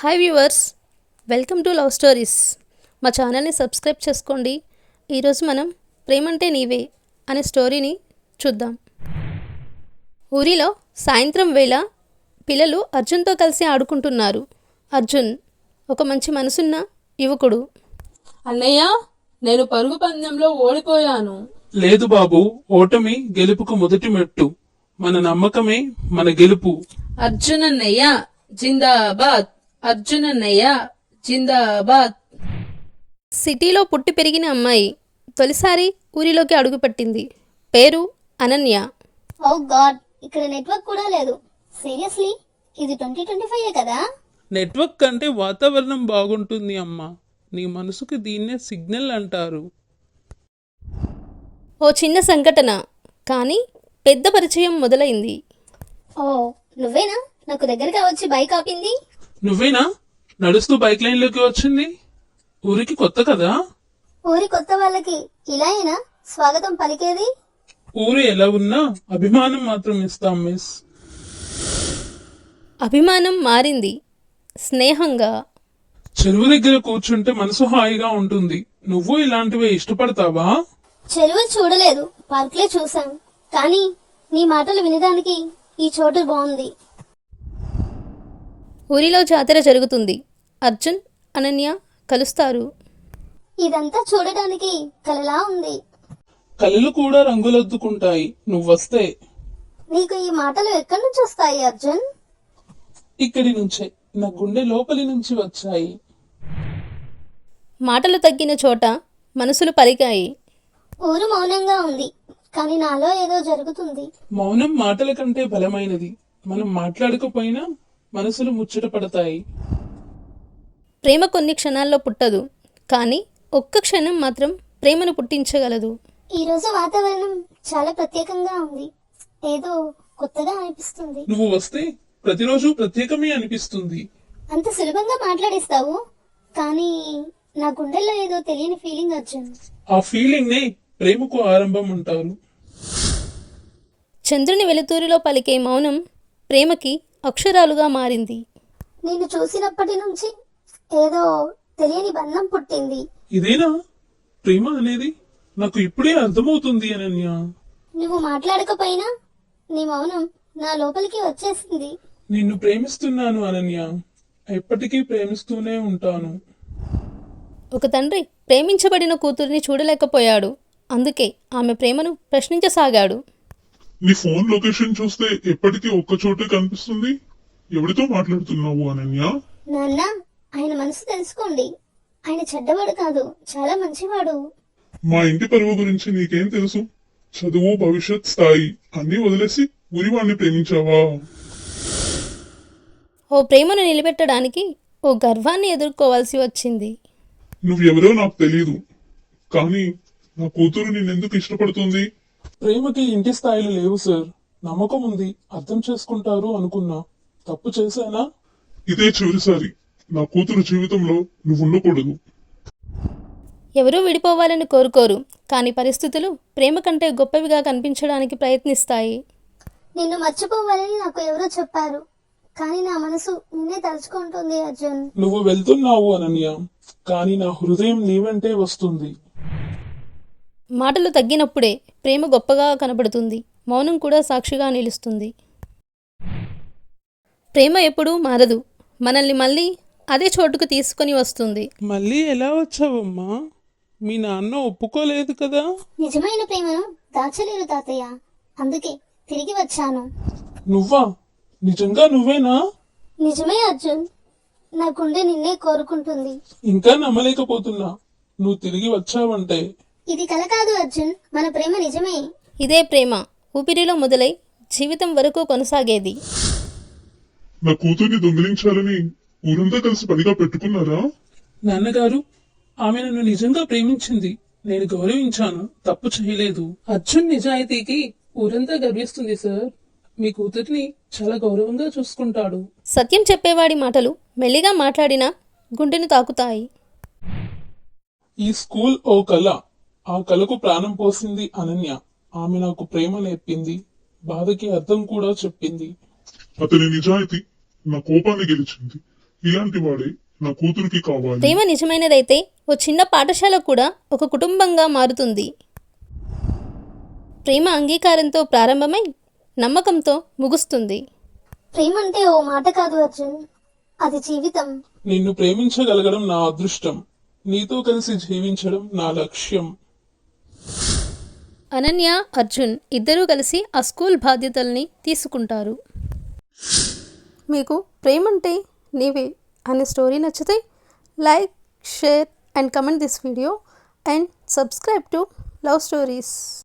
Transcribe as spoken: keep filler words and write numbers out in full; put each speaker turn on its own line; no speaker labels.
Hi viewers, welcome to love stories. మా ఛానల్ని subscribe చేసుకోండి. ఈరోజు మనం ప్రేమంటే నీవే అనే స్టోరీని చూద్దాం. ఊరిలో సాయంత్రం వేళ పిల్లలు అర్జున్తో కలిసి ఆడుకుంటున్నారు. అర్జున్ ఒక మంచి మనసున్న యువకుడు.
అన్నయ్య, నేను పరుగు పందెంలో ఓడిపోయాను.
లేదు బాబు, ఓటమి గెలుపుకు మొదటి మెట్టు. మన నమ్మకమే మన గెలుపు.
అర్జున్ అన్నయ్య జిందాబాద్, అర్జున్ అన్నయ్య జిందాబాద్.
సిటీలో పుట్టి పెరిగిన అమ్మాయి తొలిసారి ఊరిలోకి అడుగుపెట్టింది. పేరు అనన్య.
ఓ గాడ్, ఇక్కడ నెట్వర్క్ కూడా లేదు. సీరియస్లీ, ఇది ట్వంటీ ట్వంటీ ఫైవ్ కదా?
నెట్వర్క్ కంటే వాతావరణం బాగుంటుంది అమ్మా. నీ మనసుకు దీన్నే సిగ్నల్ అంటారు.
ఓ చిన్న సంఘటన, కానీ పెద్ద పరిచయం మొదలైంది.
ఓ నువ్వేనా నాకు దగ్గరగా వచ్చి బైక్ ఆపింది?
నువ్వేనా నడుస్తూ బైక్ లైన్ లోకి వచ్చింది? ఊరికి కొత్త కదా?
ఊరి కొత్త వాళ్ళకి ఇలాయేనా స్వాగతం పలికేది?
ఊరు ఎలా ఉన్నా అభిమానం మాత్రం ఇస్తాం మిస్.
అభిమానం మారింది స్నేహంగా.
చెరువు దగ్గర కూర్చుంటే మనసు హాయిగా ఉంటుంది. నువ్వు ఇలాంటివే ఇష్టపడతావా?
చెరువు చూడలేదు, పార్క్లే చూసాం. కానీ నీ మాటలు వినడానికి ఈ చోటు బాగుంది.
ఊరిలో జాతర జరుగుతుంది. అర్జున్, అనన్య కలుస్తారు.
ఇదంతా చూడడానికి కలలా ఉంది.
కళ్ళు కూడా రంగులొద్దుకుంటాయి నువ్వొస్తే.
నీకు ఈ మాటలు ఎక్కడి నుంచి వస్తాయి అర్జున్?
ఇక్కడి నుంచే, నా గుండె లోపలి నుంచి వచ్చాయి.
మాటలు తగ్గిన చోట మనసులు పలికాయి.
ఊరు మౌనంగా ఉంది, కానీ నాలో ఏదో జరుగుతుంది.
మౌనం మాటల కంటే బలమైనది. మనం మాట్లాడకపోయినా మనసులు ముచ్చట పడతాయి.
ప్రేమ కొన్ని క్షణాల్లో పుట్టదు, కానీ ఒక్క క్షణం మాత్రం ప్రేమను పుట్టించగలదు.
ఈరోజు వాతావరణం చాలా ప్రత్యేకంగా ఉంది. ఏదో కొత్తగా అనిపిస్తుంది.
నువ్వు వస్తే ప్రతిరోజు ప్రత్యేకమే అనిపిస్తుంది.
అంత సులభంగా మాట్లాడిస్తావు, కానీ నా గుండెల్లో ఏదో తెలియని ఫీలింగ్ అర్జున్.
ఆ ఫీలింగ్ నే ప్రేమకు ఆరంభం అంటారు.
చంద్రుని వెలుతురిలో పలికే మౌనం ప్రేమకి అక్షరాలుగా మారింది.
నిన్ను చూసినప్పటి నుంచి ఏదో తెలియని బంధం పుట్టింది.
ఇదేనా ప్రేమ అనేది? నాకు ఇప్పుడే అర్థమవుతుంది అనన్య.
నువ్వు మాట్లాడకపోయినా నీ మౌనం నా లోపలికి వచ్చేసింది.
నిన్ను ప్రేమిస్తున్నాను అనన్య, ఎప్పటికీ ప్రేమిస్తూనే ఉంటాను.
ఒక తండ్రి ప్రేమించబడిన కూతురిని చూడలేకపోయాడు. అందుకే ఆమె ప్రేమను ప్రశ్నించసాగాడు.
నీ ఫోన్ లొకేషన్ చూస్తే ఎప్పటికీ ఒక్క చోటే కనిపిస్తుంది. ఎవరితో మాట్లాడుతున్నావు అనన్య?
నాన్న, ఆయన మనసు తెలుసుకోండి. ఆయన చెడ్డవాడు కాదు, చాలా మంచివాడు.
మా ఇంటి పరువు గురించి నీకేం తెలుసు? చదువు, భవిష్యత్, స్థాయి అన్నీ వదిలేసి ఊరివాణ్ణి ప్రేమించావా?
ఓ ప్రేమను నిలబెట్టడానికి ఓ గర్వాన్ని ఎదుర్కోవాల్సి వచ్చింది.
నువ్వెవరో నాకు తెలియదు, కానీ నా కూతురు నిన్నెందుకు ఇష్టపడుతుంది?
ప్రేమకి ఇంటి స్థాయిలు లేవు సార్. నమ్మకం ఉంది, అర్థం చేసుకుంటారు అనుకున్నా. తప్పు చేశానా?
ఇదే చివరిసారి. నా కూతురు జీవితంలో నువ్వు ఉండకూడదు.
ఎవరూ విడిపోవాలని కోరుకోరు, కానీ పరిస్థితులు ప్రేమ కంటే గొప్పవిగా కనిపించడానికి ప్రయత్నిస్తాయి.
నిన్ను మర్చిపోవాలని నాకు ఎవరో చెప్పారు, కానీ నా మనసు నిన్నే తలుచుకుంటుంది అర్జున్.
నువ్వు వెళ్తున్నావు అనన్య, కానీ నా హృదయం నీవంటే వస్తుంది.
మాటలు తగ్గినప్పుడే ప్రేమ గొప్పగా కనబడుతుంది. మౌనం కూడా సాక్షిగా నిలుస్తుంది. ప్రేమ ఎప్పుడూ మారదు, మనల్ని మళ్ళీ అదే చోటుకు తీసుకొని వస్తుంది.
మళ్ళీ ఎలా వచ్చావమ్మా? మీ నాన్న ఒప్పుకోలేదు కదా?
నిజమైన ప్రేమను దాచలేరు తాతయ్య, అందుకే తిరిగి వచ్చాను.
నువ్వా? నిజంగా నువ్వేనా?
నిజమే అర్జున్, నా గుండె నిన్నే కోరుకుంటుంది.
ఇంకా నమ్మలేకపోతున్నా నువ్వు తిరిగి వచ్చావంటే.
ఇది కల కాదు అర్జున్, మన ప్రేమ నిజమే.
ఇదే ప్రేమ ఊపిరిలో మొదలై జీవితం వరకు కొనసాగేది.
నా కూతుర్ని దొంగిలించాలని ఊరంతా కలిసి పనిగా పెట్టుకున్నారా?
నాన్నగారు, ఆమె నన్ను నిజంగా ప్రేమించింది. నేను గౌరవించాను, తప్పు చేయలేదు. అర్జున్ నిజాయితీకి ఊరంతా గర్విస్తుంది సార్. మీ కూతురిని చాలా గౌరవంగా చూసుకుంటాడు.
సత్యం చెప్పేవాడి మాటలు మెల్లిగా మాట్లాడినా గుండెను తాకుతాయి.
ఈ స్కూల్ ఓ కళ, ఆ కళకు ప్రాణం పోసింది అనన్య. ఆమె నాకు ప్రేమ నేర్పింది, బాధకి అర్థం కూడా చెప్పింది.
అతని నిజాయితీ నా కోపాన్ని గెలిచింది. ఇలాంటి వాడే నా కూతురికి కావాలి.
ప్రేమ నిజమైనదైతే ఓ చిన్న పాఠశాల కూడా ఒక కుటుంబంగా మారుతుంది. ప్రేమ అంగీకారంతో ప్రారంభమై నమ్మకంతో ముగుస్తుంది.
ప్రేమ అంటే ఓ మాట కాదు అర్జున్, అది జీవితం.
నిన్ను ప్రేమించగలగడం నా అదృష్టం, నీతో కలిసి జీవించడం నా లక్ష్యం.
అనన్య, అర్జున్ ఇద్దరూ కలిసి ఆ స్కూల్ బాధ్యతల్ని తీసుకుంటారు. మీకు ప్రేమంటే నీవే అనే స్టోరీ నచ్చితే like, share and comment this video and subscribe to love stories.